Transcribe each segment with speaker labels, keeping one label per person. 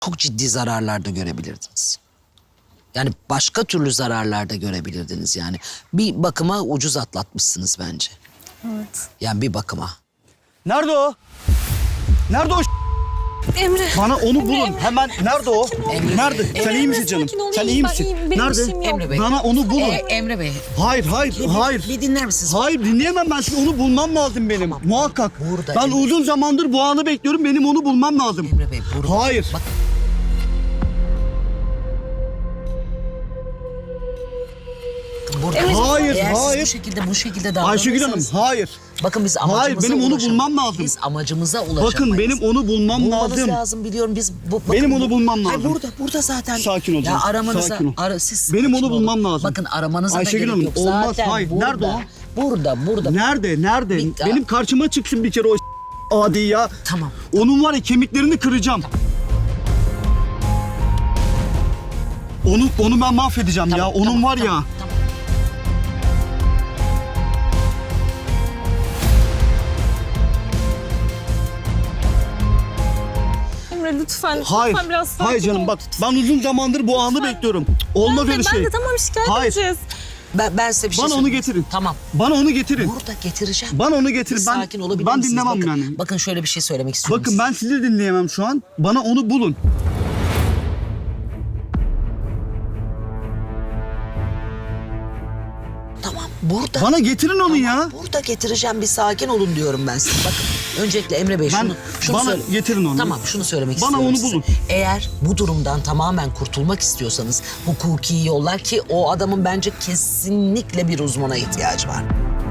Speaker 1: çok ciddi zararlar da görebilirdiniz. Yani başka türlü zararlar da görebilirdiniz yani. Bir bakıma ucuz atlatmışsınız bence.
Speaker 2: Evet.
Speaker 1: Yani bir bakıma.
Speaker 3: Nerede o? Nerede o?
Speaker 2: Emre.
Speaker 3: Bana onu bulun.
Speaker 2: Emre.
Speaker 3: Hemen. Nerede o?
Speaker 1: Emre.
Speaker 3: Nerede?
Speaker 1: Emre.
Speaker 3: Sen iyi misin canım?
Speaker 2: Sakin ol,
Speaker 3: Sen
Speaker 2: iyiyim
Speaker 3: iyi
Speaker 2: ben,
Speaker 3: misin?
Speaker 2: iyiyim. Benim bir
Speaker 3: Nerede?
Speaker 2: şeyim yok.
Speaker 1: Emre Bey.
Speaker 3: Bana onu bulun.
Speaker 1: Emre Bey.
Speaker 3: Hayır, hayır.
Speaker 1: Bir dinler misiniz?
Speaker 3: Hayır, dinleyemem ben seni. Onu bulmam lazım benim.
Speaker 1: Tamam.
Speaker 3: Muhakkak.
Speaker 1: Burada
Speaker 3: Ben
Speaker 1: Emre.
Speaker 3: uzun zamandır bu anı bekliyorum. Benim onu bulmam lazım.
Speaker 1: Emre Bey burada.
Speaker 3: Hayır.
Speaker 1: Bak. Burada.
Speaker 3: Hayır,
Speaker 1: Eğer
Speaker 3: hayır.
Speaker 1: siz bu şekilde
Speaker 3: Ayşegül Hanım,
Speaker 1: davranırsanız...
Speaker 3: hayır.
Speaker 1: Bakın biz amacımıza
Speaker 3: Hayır, benim onu
Speaker 1: ulaşamayız.
Speaker 3: bulmam lazım.
Speaker 1: Biz amacımıza ulaşamayız.
Speaker 3: Bakın benim onu bulmam
Speaker 1: Bulmanız
Speaker 3: lazım.
Speaker 1: lazım biliyorum biz.
Speaker 3: Benim onu bulmam
Speaker 1: Hayır,
Speaker 3: lazım.
Speaker 1: burada zaten.
Speaker 3: Sakin ol
Speaker 1: Ya
Speaker 3: canım,
Speaker 1: aramanıza,
Speaker 3: sakin ol.
Speaker 1: siz
Speaker 3: Benim
Speaker 1: sakin
Speaker 3: onu
Speaker 1: olun.
Speaker 3: bulmam lazım.
Speaker 1: Bakın aramanıza
Speaker 3: Ayşegül
Speaker 1: da
Speaker 3: Hanım,
Speaker 1: gerek yok.
Speaker 3: olmaz,
Speaker 1: Zaten
Speaker 3: hayır.
Speaker 1: burada,
Speaker 3: Nerede o?
Speaker 1: Burada.
Speaker 3: Nerede?
Speaker 1: Bir-
Speaker 3: Benim karşıma çıksın bir kere o adi ya.
Speaker 1: Tamam.
Speaker 3: Onun var ya kemiklerini kıracağım. Onu ben mahvedeceğim ya. Onun var ya.
Speaker 1: Tamam.
Speaker 2: Emre lütfen.
Speaker 3: Hayır.
Speaker 2: Lütfen biraz sakin
Speaker 3: Hayır canım
Speaker 2: ol.
Speaker 3: bak ben uzun zamandır bu anı bekliyorum. Olmaz öyle şey.
Speaker 2: Ben de tamam şikayet
Speaker 3: Hayır.
Speaker 2: edeceğiz.
Speaker 1: Ben size bir şey
Speaker 3: Bana onu
Speaker 1: söyleyeyim.
Speaker 3: getirin.
Speaker 1: Tamam.
Speaker 3: Bana onu getirin.
Speaker 1: Burada getireceğim.
Speaker 3: Bana onu getirin.
Speaker 1: Siz
Speaker 3: Ben
Speaker 1: sakin olabilir
Speaker 3: ben
Speaker 1: misiniz?
Speaker 3: dinlemem
Speaker 1: Bakın,
Speaker 3: yani.
Speaker 1: Bakın şöyle bir şey söylemek istiyorum.
Speaker 3: Bakın ben sizi dinleyemem şu an. Bana onu bulun.
Speaker 1: Tamam burada.
Speaker 3: Bana getirin onu ya.
Speaker 1: Burada getireceğim bir sakin olun diyorum ben size. Bakın öncelikle Emre Bey şunu
Speaker 3: bana
Speaker 1: söyle.
Speaker 3: getirin onu.
Speaker 1: Tamam şunu söylemek
Speaker 3: Bana
Speaker 1: istiyorum
Speaker 3: onu
Speaker 1: size.
Speaker 3: bulun.
Speaker 1: Eğer bu durumdan tamamen kurtulmak istiyorsanız hukuki yollar ki o adamın bence kesinlikle bir uzmana ihtiyacı var.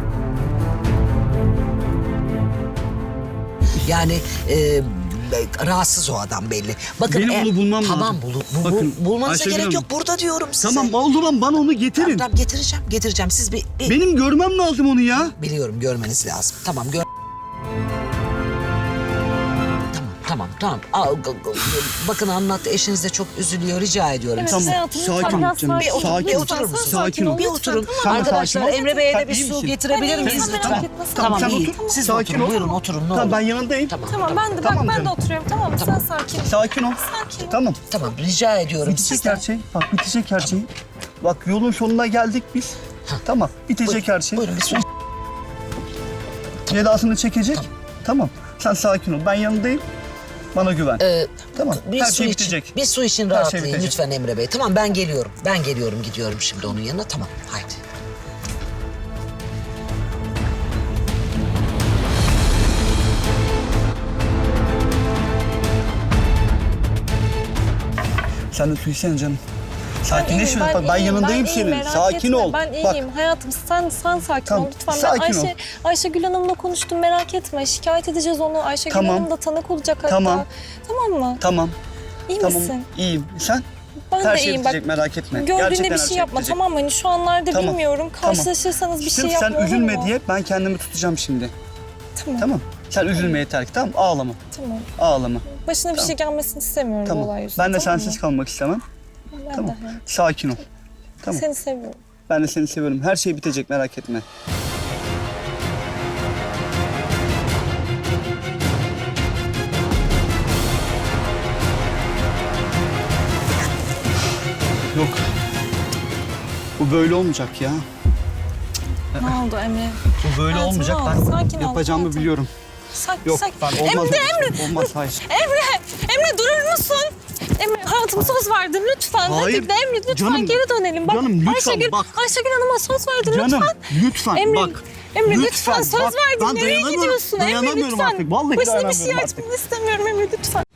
Speaker 1: Yani rahatsız o adam belli. Bakın
Speaker 3: Benim onu bulmam
Speaker 1: tamam,
Speaker 3: lazım.
Speaker 1: Bakın,
Speaker 3: Bakın,
Speaker 1: bulmanıza
Speaker 3: Ayşegül
Speaker 1: gerek
Speaker 3: Hanım.
Speaker 1: yok. Burada diyorum size.
Speaker 3: Tamam o zaman bana onu getirin.
Speaker 1: Tamam, getireceğim. Siz bir
Speaker 3: Benim görmem lazım onu ya.
Speaker 1: biliyorum görmeniz lazım. Tamam Tamam. Bakın anlattı eşiniz de çok üzülüyor rica ediyorum.
Speaker 2: Evet,
Speaker 3: Tamam,
Speaker 2: hayatım,
Speaker 3: sakin
Speaker 2: lütfen
Speaker 3: ol
Speaker 2: biraz
Speaker 3: canım,
Speaker 2: sakin ol.
Speaker 3: sakin
Speaker 1: Bir
Speaker 3: ol.
Speaker 1: oturur musun?
Speaker 3: Sakin ol.
Speaker 1: Bir oturun.
Speaker 3: Sen de
Speaker 1: Arkadaşlar
Speaker 3: sakin ol.
Speaker 1: Emre Bey'e
Speaker 3: Sen
Speaker 1: de bir
Speaker 3: iyi
Speaker 1: su
Speaker 3: misin?
Speaker 1: getirebilir
Speaker 2: Ben
Speaker 1: miyiz
Speaker 2: iyiyim,
Speaker 1: lütfen?
Speaker 2: merak etme,
Speaker 1: Tamam
Speaker 3: sen
Speaker 1: iyi.
Speaker 3: otur.
Speaker 1: Siz de
Speaker 3: Sakin
Speaker 1: oturun.
Speaker 3: ol.
Speaker 1: Buyurun oturun ne
Speaker 3: Tamam
Speaker 1: olur.
Speaker 3: ben yanındayım.
Speaker 2: Tamam ben de
Speaker 3: Tamam
Speaker 2: ben de
Speaker 3: canım.
Speaker 2: oturuyorum tamam mı? Sen sakin ol.
Speaker 3: Sakin ol.
Speaker 2: Sakin ol.
Speaker 3: Tamam.
Speaker 1: Tamam rica ediyorum
Speaker 3: Bitecek
Speaker 1: sizden.
Speaker 3: her şey. Bak bitecek her şey. Bak yolun sonuna geldik biz. Tamam bitecek her şey.
Speaker 1: Buyurun bir su.
Speaker 3: Cezasını çekecek. Tamam. Sen sakin ol. Ben yanındayım. Bana güven. Tamam.
Speaker 1: Bir
Speaker 3: Her
Speaker 1: su
Speaker 3: şey
Speaker 1: için,
Speaker 3: bitecek.
Speaker 1: bir su için
Speaker 3: Her şey
Speaker 1: rahatlayın
Speaker 3: bitecek.
Speaker 1: lütfen Emre Bey. Tamam ben geliyorum. Gidiyorum şimdi onun yanına. Tamam haydi.
Speaker 3: Sen de su içsene canım. Sakinleş
Speaker 2: iyiyim,
Speaker 3: biraz. Bak ben
Speaker 2: iyiyim,
Speaker 3: yanındayım
Speaker 2: iyiyim,
Speaker 3: senin.
Speaker 2: merak
Speaker 3: Sakin
Speaker 2: etme.
Speaker 3: ol.
Speaker 2: Ben
Speaker 3: Bak.
Speaker 2: iyiyim hayatım sen sakin
Speaker 3: Tamam,
Speaker 2: ol lütfen.
Speaker 3: sakin ol.
Speaker 2: Ayşegül Hanım'la konuştum merak etme. Şikayet edeceğiz onu. Ayşegül
Speaker 3: Tamam.
Speaker 2: Hanım da tanık olacak hatta.
Speaker 3: Tamam.
Speaker 2: Tamam mı?
Speaker 3: Tamam.
Speaker 2: İyi
Speaker 3: Tamam.
Speaker 2: misin?
Speaker 3: İyiyim. Sen?
Speaker 2: Ben
Speaker 3: Her
Speaker 2: de
Speaker 3: şey
Speaker 2: iyiyim bak.
Speaker 3: bitecek merak etme.
Speaker 2: Gördüğünde
Speaker 3: Gerçekten
Speaker 2: bir
Speaker 3: her
Speaker 2: şey yapma
Speaker 3: bitecek.
Speaker 2: tamam mı? Hani şu anlarda
Speaker 3: Tamam,
Speaker 2: bilmiyorum.
Speaker 3: tamam.
Speaker 2: Karşılaşırsanız bir
Speaker 3: Sırf
Speaker 2: şey yapma
Speaker 3: sen
Speaker 2: olur
Speaker 3: üzülme
Speaker 2: mu?
Speaker 3: diye ben kendimi tutacağım şimdi.
Speaker 2: Tamam.
Speaker 3: Tamam. Sen üzülme yeter ki. Tamam ağlama.
Speaker 2: Tamam.
Speaker 3: Ağlama.
Speaker 2: Başına bir
Speaker 3: Tamam.
Speaker 2: şey gelmesini istemiyorum bu
Speaker 3: Tamam.
Speaker 2: olay yüzünden.
Speaker 3: Ben de
Speaker 2: tamam
Speaker 3: sensiz
Speaker 2: mı?
Speaker 3: kalmak istemem.
Speaker 2: Ben
Speaker 3: Tamam.
Speaker 2: de.
Speaker 3: Sakin ol. Tamam.
Speaker 2: Seni seviyorum.
Speaker 3: Ben de seni seviyorum. Her şey bitecek merak etme. Yok. Bu böyle olmayacak ya.
Speaker 2: Ne oldu Emre?
Speaker 3: Bu böyle
Speaker 2: Hayatım,
Speaker 3: olmayacak.
Speaker 2: ne oldu?
Speaker 3: Ben
Speaker 2: Sakin ol,
Speaker 3: yapacağımı
Speaker 2: hayatım.
Speaker 3: biliyorum.
Speaker 2: Sakin
Speaker 3: Yok
Speaker 2: sakin.
Speaker 3: ben olmaz.
Speaker 2: Emre.
Speaker 3: Olmaz hayır.
Speaker 2: Emre durur musun? Emre hayatım söz verdin lütfen.
Speaker 3: Hayır.
Speaker 2: Hadi de Emre lütfen
Speaker 3: Canım,
Speaker 2: geri dönelim. Bak,
Speaker 3: canım, lütfen, bak.
Speaker 2: Ayşegül Hanım'a söz verdin
Speaker 3: Canım
Speaker 2: lütfen.
Speaker 3: lütfen
Speaker 2: Emre,
Speaker 3: bak.
Speaker 2: Emre lütfen söz
Speaker 3: bak,
Speaker 2: verdin.
Speaker 3: ben
Speaker 2: Nereye
Speaker 3: dayanamıyorum.
Speaker 2: gidiyorsun? Emre
Speaker 3: Dayanamıyorum
Speaker 2: lütfen.
Speaker 3: artık. Vallahi
Speaker 2: Başına bir
Speaker 3: dayanamıyorum
Speaker 2: şey
Speaker 3: artık.
Speaker 2: açmanı istemiyorum Emre lütfen.